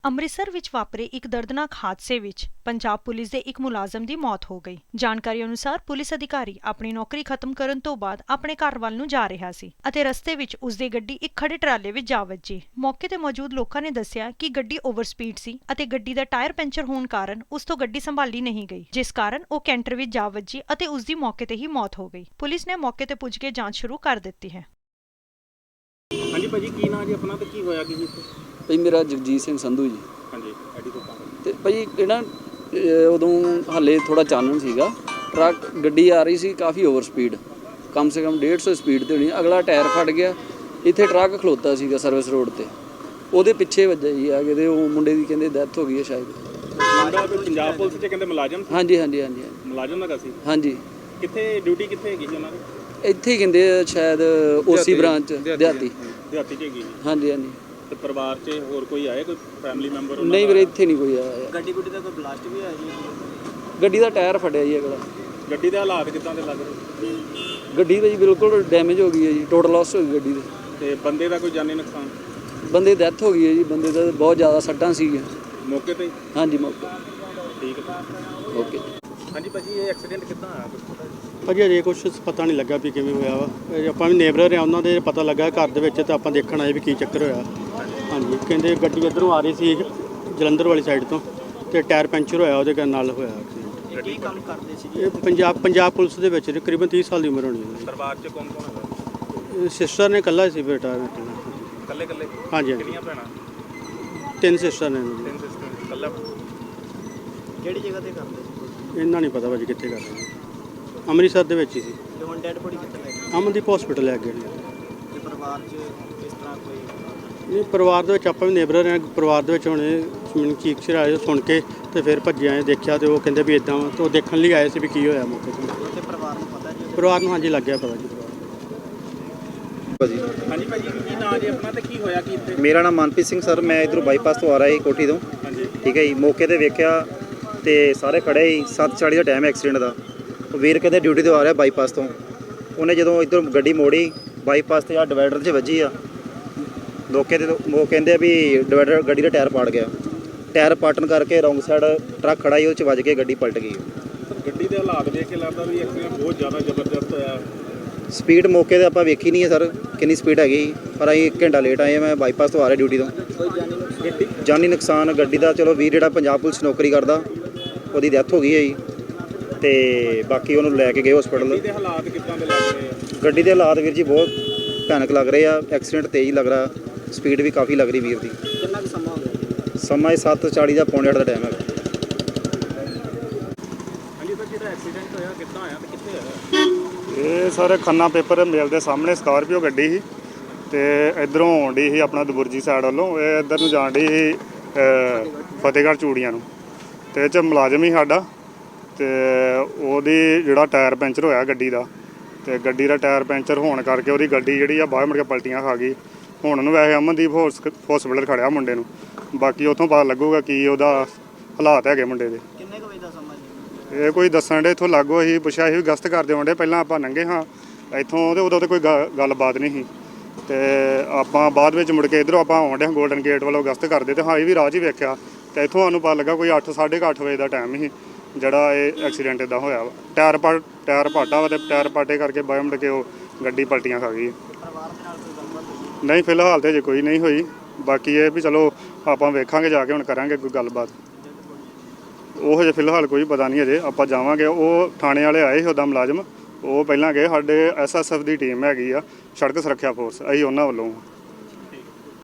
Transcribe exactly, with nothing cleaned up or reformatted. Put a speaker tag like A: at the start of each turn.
A: ਅੰਮ੍ਰਿਤਸਰ ਵਿੱਚ ਵਾਪਰੇ ਇੱਕ ਦਰਦਨਾਕ ਹਾਦਸੇ ਵਿੱਚ ਪੰਜਾਬ ਪੁਲਿਸ ਦੇ ਇੱਕ ਮੁਲਾਜ਼ਮ ਦੀ ਮੌਤ ਹੋ ਗਈ। ਜਾਣਕਾਰੀ ਅਨੁਸਾਰ ਪੁਲਿਸ ਅਧਿਕਾਰੀ ਆਪਣੀ ਨੌਕਰੀ ਖਤਮ ਕਰਨ ਤੋਂ ਬਾਅਦ ਆਪਣੇ ਘਰ ਵੱਲ ਨੂੰ ਜਾ ਰਿਹਾ ਸੀ ਅਤੇ ਰਸਤੇ ਵਿੱਚ ਉਸਦੀ ਗੱਡੀ ਇੱਕ ਖੜੇ ਟਰਾਲੇ ਵਿੱਚ ਜਾ ਵੱਜੀ। ਮੌਕੇ ਤੇ ਮੌਜੂਦ ਲੋਕਾਂ ਨੇ ਦੱਸਿਆ ਕਿ ਗੱਡੀ ਓਵਰ ਸਪੀਡ ਸੀ ਅਤੇ ਗੱਡੀ ਦਾ ਟਾਇਰ ਪੈਂਚਰ ਹੋਣ ਕਾਰਨ ਉਸ ਤੋਂ ਗੱਡੀ ਸੰਭਾਲੀ ਨਹੀਂ ਗਈ, ਜਿਸ ਕਾਰਨ ਉਹ ਕੈਂਟਰ ਵਿੱਚ ਜਾ ਵੱਜੀ ਅਤੇ ਉਸਦੀ ਮੌਕੇ ਤੇ ਹੀ ਮੌਤ ਹੋ ਗਈ। ਪੁਲਿਸ ਨੇ ਮੌਕੇ ਤੇ ਪੁੱਜ ਕੇ ਜਾਂਚ ਸ਼ੁਰੂ ਕਰ ਦਿੱਤੀ ਹੈ।
B: ਹਾਂਜੀ ਭਾਜੀ, ਕੀ ਨਾਂ ਜੀ ਆਪਣਾ ਤੇ ਕੀ ਹੋਇਆ ਕੀ ਜੀ ਇੱਥੇ?
C: ਭਾਈ ਮੇਰਾ ਜਗਜੀਤ ਸਿੰਘ ਸੰਧੂ ਜੀ।
B: ਹਾਂਜੀ, ਐਡੀ ਤੋਂ ਕੰਮ
C: ਤੇ ਭਾਈ ਇਹ ਨਾ ਉਦੋਂ ਹਾਲੇ ਥੋੜਾ ਚਾਨਣ ਸੀਗਾ, ਟਰੱਕ ਗੱਡੀ ਆ ਰਹੀ ਸੀ ਕਾਫੀ ਓਵਰ ਸਪੀਡ, ਕਮ ਸੇ ਕਮ ਡੇਢ ਸੌ ਸਪੀਡ ਤੇ ਹੋਣੀ। ਅਗਲਾ ਟਾਇਰ ਫਟ ਗਿਆ, ਇੱਥੇ ਟਰੱਕ ਖਲੋਤਾ ਸੀਗਾ ਸਰਵਿਸ ਰੋਡ ਤੇ, ਉਹਦੇ ਪਿੱਛੇ ਵੱਜਿਆ ਜੀ ਆ ਕੇ ਤੇ ਉਹ ਮੁੰਡੇ ਦੀ ਕਹਿੰਦੇ ਡੈਥ ਹੋ ਗਈ ਹੈ ਸ਼ਾਇਦ।
B: ਮੁੰਡਾ ਕੋਈ ਪੰਜਾਬ ਪੁਲਿਸ 'ਚ ਕਹਿੰਦੇ ਮੁਲਾਜ਼ਮ ਸੀ?
C: ਹਾਂਜੀ ਹਾਂਜੀ ਹਾਂਜੀ
B: ਮੁਲਾਜ਼ਮ ਦਾ ਸੀ।
C: ਹਾਂਜੀ।
B: ਕਿੱਥੇ ਡਿਊਟੀ ਕਿੱਥੇ ਹੈਗੀ ਸੀ ਉਹਨਾਂ ਦੀ?
C: ਇੱਥੇ ਹੀ ਕਹਿੰਦੇ ਸ਼ਾਇਦ ਓਸੀ ਬ੍ਰਾਂਚ ਦਿਹਾਤੀ
B: ਦਿਹਾਤੀ 'ਚ ਹੈਗੀ।
C: ਹਾਂਜੀ ਹਾਂਜੀ।
B: ਤੇ ਪਰਿਵਾਰ 'ਚ ਹੋਰ ਕੋਈ ਆਏ, ਕੋਈ ਫੈਮਿਲੀ ਮੈਂਬਰ?
C: ਨਹੀਂ ਵੀਰੇ, ਇੱਥੇ ਨਹੀਂ ਕੋਈ ਆਇਆ।
B: ਗੱਡੀ ਗੁੱਡੀ ਦਾ ਕੋਈ ਬਲਾਸਟ ਵੀ ਆਇਆ ਜੀ?
C: ਗੱਡੀ ਦਾ ਟਾਇਰ ਫਟਿਆ ਜੀ ਅਗਲਾ।
B: ਗੱਡੀ ਦੇ ਹਾਲਾਤ ਕਿੱਦਾਂ ਦੇ ਲੱਗ ਰਹੇ?
C: ਗੱਡੀ ਤਾਂ ਜੀ ਬਿਲਕੁਲ ਡੈਮੇਜ ਹੋ ਗਈ ਹੈ ਜੀ, ਟੋਟਲ ਲਾਸ ਹੋ ਗਈ ਗੱਡੀ ਦੇ।
B: ਤੇ ਬੰਦੇ ਦਾ ਕੋਈ ਜਾਨੀ ਨੁਕਸਾਨ?
C: ਬੰਦੇ ਦੀ ਡੈਥ ਹੋ ਗਈ ਹੈ ਜੀ, ਬੰਦੇ ਦਾ ਬਹੁਤ ਜ਼ਿਆਦਾ ਸੱਟਾਂ ਸੀਗੀਆਂ
B: ਮੌਕੇ ਤੇ?
C: ਹਾਂਜੀ ਮੌਕੇ।
B: ਠੀਕ ਹੈ,
C: ਓਕੇ।
B: ਹਾਂਜੀ ਭਾਜੀ, ਇਹ ਐਕਸੀਡੈਂਟ ਕਿੱਦਾਂ ਆਇਆ ਕੁਝ ਪਤਾ?
D: ਭਾਜੀ ਅਜੇ ਕੁਛ ਪਤਾ ਨਹੀਂ ਲੱਗਾ ਵੀ ਕਿਵੇਂ ਹੋਇਆ ਵਾ। ਇਹ ਆਪਾਂ ਵੀ ਨੇਬਰਰ ਆ, ਉਹਨਾਂ ਦੇ ਪਤਾ ਲੱਗਾ ਘਰ ਦੇ ਵਿੱਚ, ਤਾਂ ਆਪਾਂ ਦੇਖਣ ਆਏ ਵੀ ਕੀ ਚੱਕਰ ਹੋਇਆ। ਹਾਂਜੀ, ਕਹਿੰਦੇ ਗੱਡੀ ਇੱਧਰੋਂ ਆ ਰਹੀ ਸੀ ਜਲੰਧਰ ਵਾਲੀ ਸਾਈਡ ਤੋਂ, ਤੇ ਟਾਇਰ ਪੈਂਚਰ ਹੋਇਆ, ਉਹਦੇ ਨਾਲ ਹੋਇਆ ਐਕਸੀਡੈਂਟ।
B: ਕੀ ਕੰਮ ਕਰਦੇ ਸੀ?
D: ਇਹ ਪੰਜਾਬ ਪੰਜਾਬ ਪੁਲਿਸ ਦੇ ਵਿੱਚ ਤਕਰੀਬਨ ਤੀਹ ਸਾਲ ਦੀ ਉਮਰ ਹੋਣੀ ਹੈ।
B: ਪਰਿਵਾਰ 'ਚ ਕੌਣ ਕੌਣ ਹੈਗਾ?
D: ਸਿਸਟਰ ਨੇ ਇਕੱਲਾ ਸੀ ਬੇਟਾ।
B: ਇਕੱਲੇ ਇਕੱਲੇ?
D: ਹਾਂਜੀ।
B: ਕਿੰਨੀਆਂ ਭੈਣਾਂ?
D: ਤਿੰਨ ਸਿਸਟਰ ਨੇ।
B: ਤਿੰਨ ਸਿਸਟਰ। ਇਕੱਲਾ? ਕਿਹੜੀ ਜਗ੍ਹਾ ਤੇ ਕਰਦੇ ਸੀ?
D: ਇਹਨਾਂ ਨਹੀਂ ਪਤਾ ਭਾਜੀ ਕਿੱਥੇ ਕਰਦੇ। ਅੰਮ੍ਰਿਤਸਰ ਦੇ ਵਿੱਚ ਹੀ ਸੀ।
B: ਤੇ ਹੁਣ ਡੈਡ ਬੋਡੀ ਕਿੱਥੇ ਲੈ ਗਏ?
D: ਅਮਨਦੀਪ ਹਸਪੀਟਲ ਲੈ ਗਏ ਨੇ।
B: ਤੇ ਪਰਿਵਾਰ 'ਚ ਇਸ ਤਰ੍ਹਾਂ ਕੋਈ?
D: ਨਹੀਂ, ਪਰਿਵਾਰ ਦੇ ਵਿੱਚ ਆਪਾਂ ਵੀ ਨੇਬਰਰ ਹਾਂ। ਪਰਿਵਾਰ ਦੇ ਵਿੱਚ ਹੁਣ ਮੈਨੂੰ ਚੀਕ ਚਿਹਾੜੇ ਸੁਣ ਕੇ ਤੇ ਫਿਰ ਭੱਜੇ ਆਏ, ਦੇਖਿਆ ਤੇ ਉਹ ਕਹਿੰਦੇ ਵੀ ਇਦਾਂ, ਤੇ ਉਹ ਦੇਖਣ ਲਈ ਆਏ ਸੀ ਵੀ ਕੀ ਹੋਇਆ ਮੌਕੇ 'ਤੇ।
B: ਤੇ ਪਰਿਵਾਰ ਨੂੰ ਪਤਾ ਜੀ?
D: ਪਰਿਵਾਰ ਨੂੰ ਹਾਂਜੀ ਲੱਗਿਆ ਪਤਾ ਜੀ।
E: ਭਾਜੀ
B: ਹਾਂਜੀ ਭਾਜੀ, ਕੀ ਨਾਂ ਜੀ ਆਪਣਾ ਤੇ ਕੀ ਹੋਇਆ ਕੀ ਇੱਥੇ?
E: ਮੇਰਾ ਨਾਮ ਮਨਪ੍ਰੀਤ ਸਿੰਘ ਸਰ, ਮੈਂ ਇਧਰੋਂ ਬਾਈਪਾਸ ਤੋਂ ਆ ਰਿਹਾ ਸੀ ਕੋਠੀ ਤੋਂ।
B: ਹਾਂਜੀ।
E: ਠੀਕ ਹੈ ਜੀ, ਮੌਕੇ ਤੇ ਵੇਖਿਆ ਤੇ ਸਾਰੇ ਖੜੇ ਸੀ। ਸੱਤ ਚਾਲੀ ਦਾ ਟਾਈਮ ਐਕਸੀਡੈਂਟ ਦਾ। ਉਹ ਵੀਰ ਕਹਿੰਦੇ ਡਿਊਟੀ ਤੋਂ ਆ ਰਿਹਾ ਬਾਈਪਾਸ ਤੋਂ, ਉਹਨੇ ਜਦੋਂ ਇੱਧਰ ਗੱਡੀ ਮੋੜੀ ਬਾਈਪਾਸ ਤੇ ਆ ਡਿਵਾਈਡਰ 'ਚ ਵੱਜੀ ਆ। ਲੋਕੇ ਤੇ ਉਹ ਕਹਿੰਦੇ ਵੀ ਡਿਵਾਈਡਰ ਗੱਡੀ ਦਾ ਟਾਇਰ ਪਾੜ ਗਿਆ। ਟਾਇਰ ਪਾਟਣ ਕਰਕੇ ਰੌਂਗ ਸਾਈਡ ਟਰੱਕ ਖੜਾ ਸੀ, ਉਹ 'ਚ ਵੱਜ ਕੇ ਗੱਡੀ ਪਲਟ ਗਈ।
B: ਗੱਡੀ ਦੇ ਹਾਲਾਤ ਦੇਖ ਕੇ ਲੱਗਦਾ ਵੀ ਐਕਸੀਡੈਂਟ ਬਹੁਤ ਜ਼ਿਆਦਾ ਜ਼ਬਰਦਸਤ ਹੋਇਆ।
E: ਸਪੀਡ ਮੌਕੇ ਤੇ ਆਪਾਂ ਵੇਖੀ ਨਹੀਂ ਹੈ ਸਰ ਕਿੰਨੀ ਸਪੀਡ ਹੈਗੀ, ਪਰ ਅਸੀਂ ਇੱਕ ਘੰਟਾ ਲੇਟ ਆਏ। ਮੈਂ ਬਾਈਪਾਸ ਤੋਂ ਆ ਰਿਹਾ ਡਿਊਟੀ ਤੋਂ।
B: ਗੱਡੀ
E: ਜਾਨੀ ਨੁਕਸਾਨ ਗੱਡੀ ਦਾ, ਚਲੋ ਵੀਰ ਜਿਹੜਾ ਪੰਜਾਬ ਪੁਲਿਸ ਨੌਕਰੀ ਕਰਦਾ, ਉਹਦੀ ਡੈਥ ਹੋ ਗਈ ਹੈ ਜੀ, ਤੇ ਬਾਕੀ ਉਹਨੂੰ ਲੈ ਕੇ ਗਏ ਹਸਪੀਟਲ।
B: ਗੱਡੀ ਦੇ ਹਾਲਾਤ ਕਿੱਦਾਂ ਦੇ ਲੱਗ ਰਹੇ ਆ?
E: ਗੱਡੀ ਦੇ ਹਾਲਾਤ ਵੀਰ ਜੀ ਬਹੁਤ ਭਿਆਨਕ ਲੱਗ ਰਹੇ ਆ। ਐਕਸੀਡੈਂਟ ਤੇਜ਼ ਲੱਗ ਰਿਹਾ, ਸਪੀਡ ਵੀ ਕਾਫੀ ਲੱਗ ਰਹੀ ਵੀਰ ਦੀ।
B: ਕਿੰਨਾ ਕੁ ਸਮਾਂ ਹੋ ਗਿਆ?
E: ਸਮਾਂ ਸੱਤ ਚਾਲੀ ਦਾ ਪੌਣੇ ਅੱਠ ਦਾ ਟਾਈਮ ਹੈਗਾ।
B: ਹਾਂਜੀ ਸਰ, ਜਿਹੜਾ ਐਕਸੀਡੈਂਟ ਹੋਇਆ ਕਿੱਦਾਂ ਹੋਇਆ ਤੇ ਕਿੱਥੇ ਹੋਇਆ?
F: ਇਹ ਸਰ ਖੰਨਾ ਪੇਪਰ ਮਿਲ ਦੇ ਸਾਹਮਣੇ ਸਕਾਰਪੀਓ ਗੱਡੀ ਸੀ, ਤੇ ਇਧਰੋਂ ਆਉਣ ਡਈ ਸੀ ਆਪਣਾ ਦਬੁਰਜੀ ਸਾਈਡ ਵੱਲੋਂ। ਇਹ ਇੱਧਰ ਨੂੰ ਜਾਣ ਡਈ ਸੀ ਫਤਿਹਗੜ੍ਹ ਚੂੜੀਆਂ ਨੂੰ, ਤੇ ਇਹ 'ਚ ਮੁਲਾਜ਼ਮ ਹੀ ਸਾਡਾ, ਤੇ ਉਹਦੀ ਜਿਹੜਾ ਟਾਇਰ ਪੈਂਚਰ ਹੋਇਆ ਗੱਡੀ ਦਾ, ਤੇ ਗੱਡੀ ਦਾ ਟਾਇਰ ਪੈਂਚਰ ਹੋਣ ਕਰਕੇ ਉਹਦੀ ਗੱਡੀ ਜਿਹੜੀ ਆ ਬਾਹਰ ਮੁੜ ਕੇ ਪਲਟੀਆਂ ਖਾ ਗਈ। ਹੁਣ ਉਹਨੂੰ ਵੈਸੇ ਅਮਨਦੀਪ ਹਸਪੀਟਲ ਖੜਿਆ ਮੁੰਡੇ ਨੂੰ, ਬਾਕੀ ਉੱਥੋਂ ਪਤਾ ਲੱਗੂਗਾ ਕੀ ਉਹਦਾ ਹਾਲਾਤ ਹੈਗੇ ਮੁੰਡੇ ਦੇ।
B: ਕਿੰਨੇ ਕੁ ਵਜੇ ਦਾ ਸਮਾਂ ਜੀ?
F: ਇਹ ਕੋਈ ਦੱਸਣ ਡੇ ਇੱਥੋਂ ਲਾਗੋ ਅਸੀਂ ਪੁੱਛਿਆ ਸੀ, ਗਸਤ ਕਰਦੇ ਆਉਂਦੇ ਪਹਿਲਾਂ ਆਪਾਂ ਲੰਘੇ ਹਾਂ ਇੱਥੋਂ, ਤੇ ਉਦੋਂ ਤਾਂ ਕੋਈ ਗੱਲਬਾਤ ਨਹੀਂ ਸੀ। ਤੇ ਆਪਾਂ ਬਾਅਦ ਵਿੱਚ ਮੁੜ ਕੇ ਇੱਧਰੋਂ ਆਪਾਂ ਆਉਂਦੇ ਹਾਂ ਗੋਲਡਨ ਗੇਟ ਵੱਲੋਂ ਗਸਤ ਕਰਦੇ, ਤੇ ਹਾਂ ਇਹ ਵੀ ਰਾਹ 'ਚ ਹੀ ਵੇਖਿਆ, ਤੇ ਇੱਥੋਂ ਸਾਨੂੰ ਪਤਾ ਲੱਗਾ ਕੋਈ ਅੱਠ ਸਾਢੇ ਕੁ ਅੱਠ ਵਜੇ ਦਾ ਟਾਈਮ ਸੀ ਜਿਹੜਾ ਇਹ ਐਕਸੀਡੈਂਟ ਇੱਦਾਂ ਹੋਇਆ ਵਾ। ਟਾਇਰ ਪਾ ਟਾਇਰ ਪਾਟਾ ਵਾ, ਤੇ ਟਾਇਰ ਪਾਟੇ ਕਰਕੇ ਬਾਹਰ ਮੁੜ ਕੇ ਉਹ ਗੱਡੀ ਪਲਟੀਆਂ ਖਾ ਗਈ।
B: ਪਰਿਵਾਰ ਦੇ ਨਾਲ ਕੋਈ ਗੱਲਬਾਤ ਹੋਈ?
F: ਨਹੀਂ, ਫਿਲਹਾਲ ਤਾਂ ਜੇ ਕੋਈ ਨਹੀਂ ਹੋਈ, ਬਾਕੀ ਇਹ ਵੀ ਚਲੋ ਆਪਾਂ ਵੇਖਾਂਗੇ ਜਾ ਕੇ, ਹੁਣ ਕਰਾਂਗੇ ਕੋਈ ਗੱਲਬਾਤ। ਉਹ ਹਜੇ ਫਿਲਹਾਲ ਕੋਈ ਪਤਾ ਨਹੀਂ, ਅਜੇ ਆਪਾਂ ਜਾਵਾਂਗੇ। ਉਹ ਥਾਣੇ ਵਾਲੇ ਆਏ ਸੀ ਉੱਦਾਂ ਮੁਲਾਜ਼ਮ, ਉਹ ਪਹਿਲਾਂ ਗਏ। ਸਾਡੇ ਐਸ ਐਸ ਐਫ ਦੀ ਟੀਮ ਹੈਗੀ ਆ, ਸੜਕ ਸੁਰੱਖਿਆ ਫੋਰਸ, ਅਸੀਂ ਉਹਨਾਂ ਵੱਲੋਂ